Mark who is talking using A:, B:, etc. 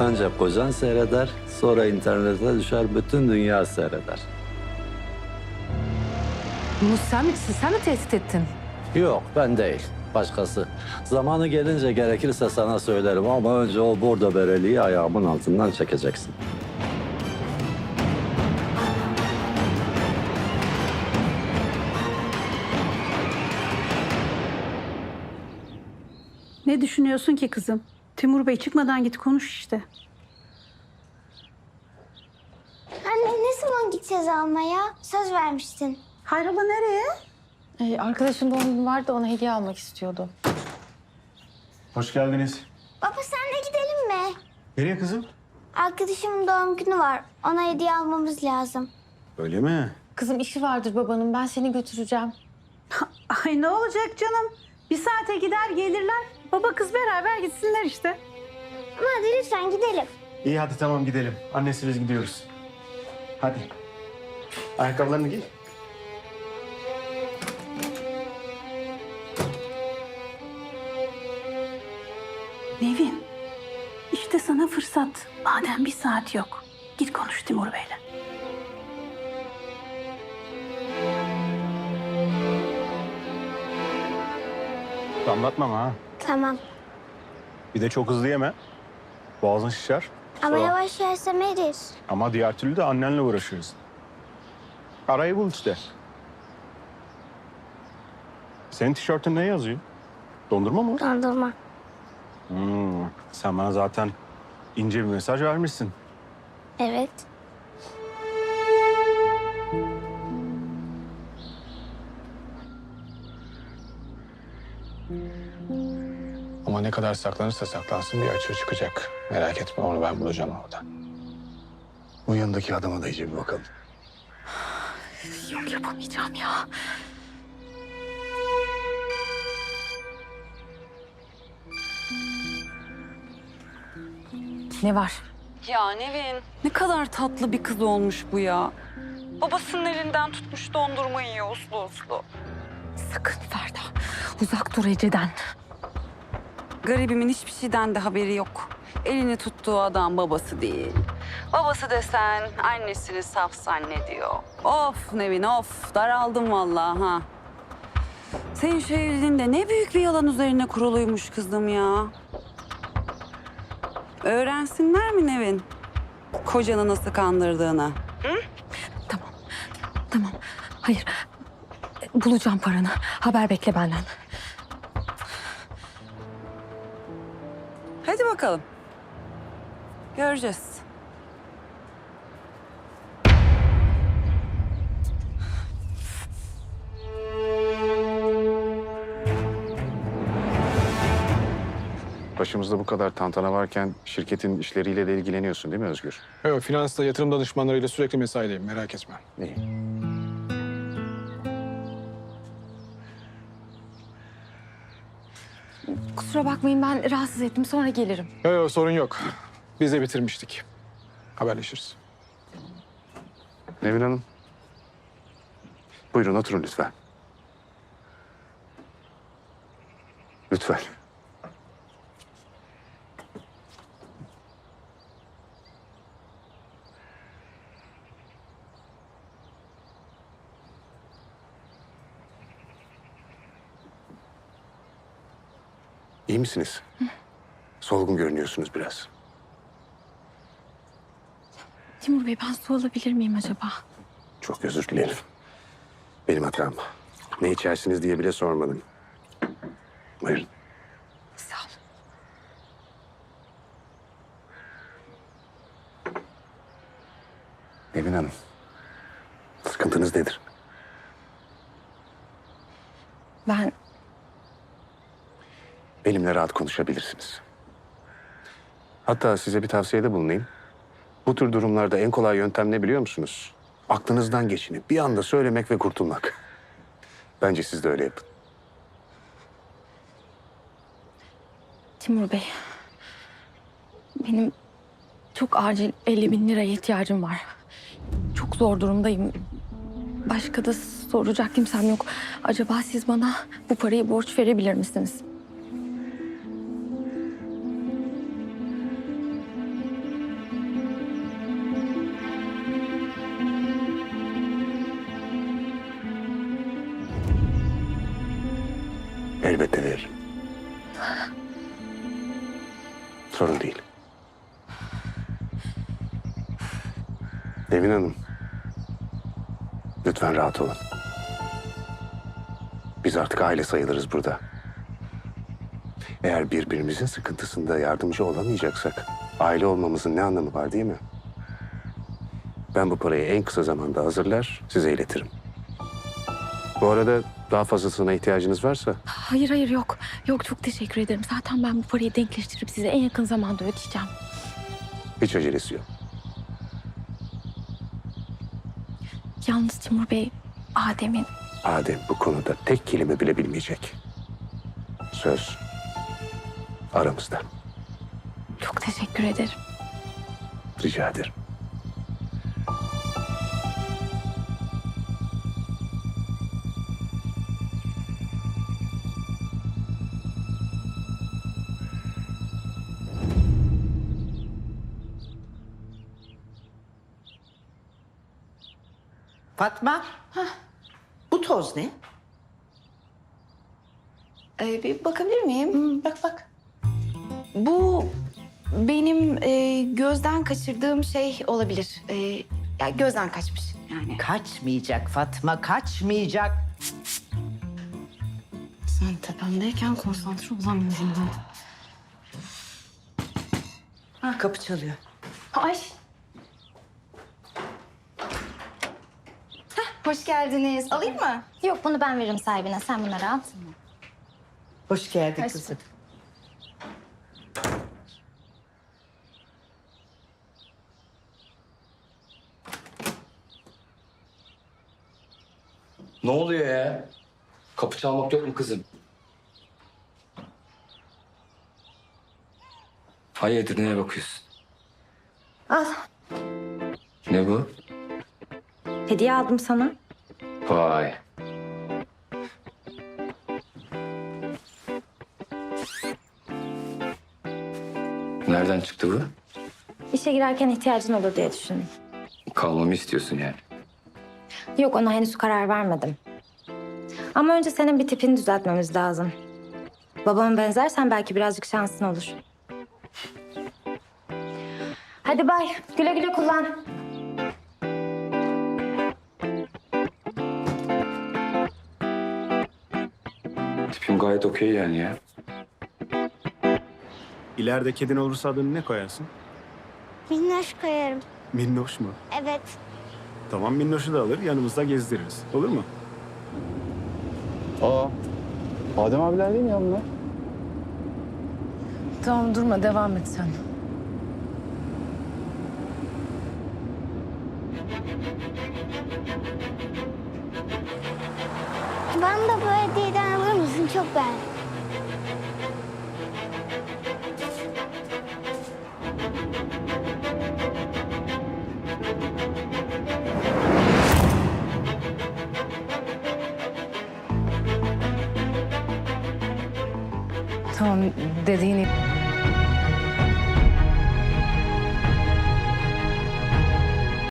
A: Önce kocan seyreder, sonra internete düşer, bütün dünya seyreder.
B: Bunu sen mi tehdit ettin?
A: Yok, ben değil. Başkası. Zamanı gelince gerekirse sana söylerim ama önce o bordo bereliği ayağımın altından çekeceksin.
C: Ne düşünüyorsun ki kızım? Timur Bey çıkmadan git konuş işte.
D: Anne ne zaman gideceğiz almaya? Söz vermiştin.
C: Hayrola nereye?
B: Arkadaşın doğum günü vardı da ona hediye almak istiyordu.
E: Hoş geldiniz.
D: Baba senle gidelim mi?
E: Nereye kızım?
D: Arkadaşımın doğum günü var. Ona hediye almamız lazım.
E: Öyle mi?
B: Kızım işi vardır babanın. Ben seni götüreceğim.
C: Ay ne olacak canım? Bir saate gider gelirler. Baba kız beraber gitsinler işte.
D: Ama hadi lütfen gidelim.
E: İyi hadi tamam gidelim. Annesi biz gidiyoruz. Hadi. Ayakkabılarını giy.
C: Nevin, işte sana fırsat. Madem bir saat yok. Git konuş Timur Bey'le.
E: Anlatmam ha.
D: Tamam.
E: Bir de çok hızlı yeme. Boğazın şişer.
D: Ama
E: Sonra-
D: yavaş yersem erir.
E: Ama diğer türlü de annenle uğraşıyoruz. Arayı bul işte. Senin tişörtün ne yazıyor? Dondurma mı?
D: Dondurma.
E: Sen bana zaten ince bir mesaj vermişsin.
D: Evet.
F: Ama ne kadar saklanırsa saklansın bir açığı çıkacak. Merak etme onu ben bulacağım orada. Bu yanındaki adama da iyice bir bakalım.
B: Yok yapamayacağım ya. Ne var?
G: Ya Nevin, ne kadar tatlı bir kız olmuş bu ya. Babasının elinden tutmuş dondurma yiyor uslu uslu.
B: Sakın Ferda. Uzak dur Ece'den.
G: Garibimin hiçbir şeyden de haberi yok. Elini tuttuğu adam babası değil. Babası desen annesini saf zannediyor. Of Nevin of, daraldım vallahi ha. Senin şu evliliğin de ne büyük bir yalan üzerine kuruluymuş kızım ya. Öğrensinler mi Nevin? Kocanı nasıl kandırdığını.
B: Tamam. Hayır. Bulacağım paranı. Haber bekle benden.
G: Hadi bakalım. Göreceğiz.
H: Başımızda bu kadar tantana varken şirketin işleriyle de ilgileniyorsun değil mi Özgür?
F: Evet, finansta yatırım danışmanlarıyla sürekli mesaideyim merak etme.
H: İyi.
B: Kusura bakmayın ben rahatsız ettim. Sonra gelirim.
F: Yok sorun yok. Biz de bitirmiştik. Haberleşiriz.
H: Nevin Hanım. Buyurun oturun lütfen. Lütfen. İyi misiniz? Solgun görünüyorsunuz biraz.
B: Timur Bey ben su alabilir miyim acaba?
H: Çok özür dilerim. Benim hatam. Ne içersiniz diye bile sormadım. Buyurun.
B: Sağ ol.
H: Nevin Hanım. Sıkıntınız nedir?
B: Ben
H: Benimle rahat konuşabilirsiniz. Hatta size bir tavsiyede bulunayım. Bu tür durumlarda en kolay yöntem ne biliyor musunuz? Aklınızdan geçini bir anda söylemek ve kurtulmak. Bence siz de öyle yapın.
B: Timur Bey. Benim çok acil 50.000 liraya ihtiyacım var. Çok zor durumdayım. Başka da soracak kimsem yok. Acaba siz bana bu parayı borç verebilir misiniz?
H: Elbette veririm. Sorun değil. Nevin Hanım, lütfen rahat olun. Biz artık aile sayılırız burada. Eğer birbirimizin sıkıntısında yardımcı olamayacaksak aile olmamızın ne anlamı var değil mi? Ben bu parayı en kısa zamanda hazırlar, size iletirim. Bu arada daha fazlasına ihtiyacınız varsa
B: Hayır hayır yok. Yok çok teşekkür ederim. Zaten ben bu parayı denkleştirip size en yakın zamanda ödeyeceğim.
H: hiç acelesi yok.
B: Yalnız Timur Bey, Adem'in
H: Adem bu konuda tek kelime bile bilmeyecek. Söz aramızda.
B: çok teşekkür ederim.
H: Rica ederim.
I: Fatma, bu toz ne?
J: Bir bakabilir miyim? Bak bak. Bu benim gözden kaçırdığım şey olabilir. Ya gözden kaçmış yani.
I: Kaçmayacak Fatma, kaçmayacak.
J: Sen tepemdeyken konsantre olamıyorum ben.
I: Kapı çalıyor.
J: Ay. Hoş geldiniz. Alayım mı?
D: Yok bunu ben veririm sahibine. Sen bunları al.
I: Hoş geldin
J: Hoş
I: kızım.
K: Ne oluyor ya? Kapı çalmak yok mu kızım? Hayırdır, neye bakıyorsun?
D: Al.
K: Ne bu?
D: Hediye aldım sana.
K: Vay. Nereden çıktı bu?
D: İşe girerken ihtiyacın olur diye düşündüm.
K: Kalmamı istiyorsun yani.
D: Yok ona henüz karar vermedim. Ama önce senin bir tipini düzeltmemiz lazım. Babama benzersen belki birazcık şansın olur. Hadi bay. Güle güle kullan.
K: Tipim gayet okey yani ya.
E: İleride kedin olursa adını ne koyarsın?
D: Minnoş koyarım.
E: Minnoş mu?
D: Evet.
E: Tamam Minnoş'u da alır yanımızda gezdiririz. Olur mu?
F: Aa, Adem abiler değil mi ya bunlar?
J: Tamam durma devam et sen.
D: Bana da bu hediyeden alır mısın? Çok beğendim.
J: Tamam dediğini...